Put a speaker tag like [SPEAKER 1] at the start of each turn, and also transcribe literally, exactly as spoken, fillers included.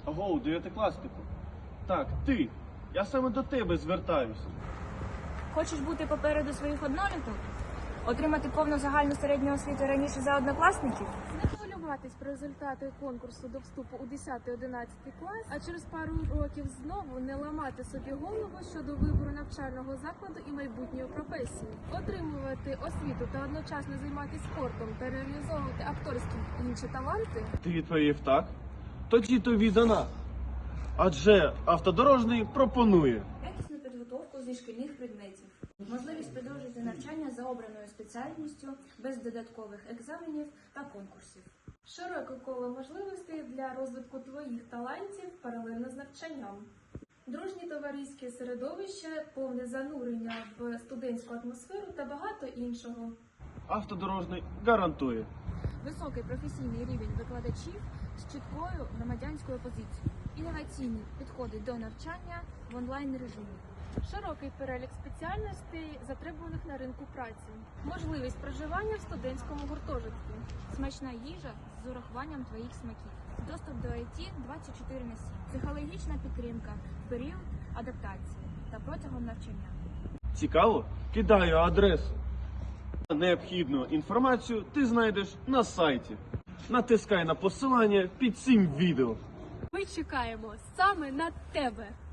[SPEAKER 1] Агоу, дев'ятикласнику. Так, ти. Я саме до тебе звертаюся.
[SPEAKER 2] Хочеш бути попереду своїх одноліток? Отримати повну загальну середню освіту раніше за однокласників?
[SPEAKER 3] Не хвилюватись про результати конкурсу до вступу у десятий-одинадцятий клас, а через пару років знову не ламати собі голову щодо вибору навчального закладу і майбутньої професії. Отримувати освіту та одночасно займатися спортом та реалізовувати акторські і інші таланти.
[SPEAKER 1] Ти відповів так? Тоді тобі за нас. Адже автодорожний пропонує.
[SPEAKER 2] Якісну підготовку зі шкільних предметів. Можливість продовжити навчання за обраною спеціальністю без додаткових екзаменів та конкурсів.
[SPEAKER 3] Широке коло можливостей для розвитку твоїх талантів паралельно з навчанням. Дружні товариські середовище, повне занурення в студентську атмосферу та багато іншого.
[SPEAKER 1] Автодорожний гарантує.
[SPEAKER 2] Високий професійний рівень викладачів з чіткою громадянською позицією. Інноваційні підходи до навчання в онлайн-режимі.
[SPEAKER 3] Широкий перелік спеціальностей, затребуваних на ринку праці. Можливість проживання в студентському гуртожитку.
[SPEAKER 2] Смачна їжа з урахуванням твоїх смаків. Доступ до ай ті двадцять чотири на сім. Психологічна підтримка в період адаптації та протягом навчання.
[SPEAKER 1] Цікаво? Кидаю адресу. Необхідну інформацію ти знайдеш на сайті. Натискай на посилання під цим відео.
[SPEAKER 3] Ми чекаємо саме на тебе!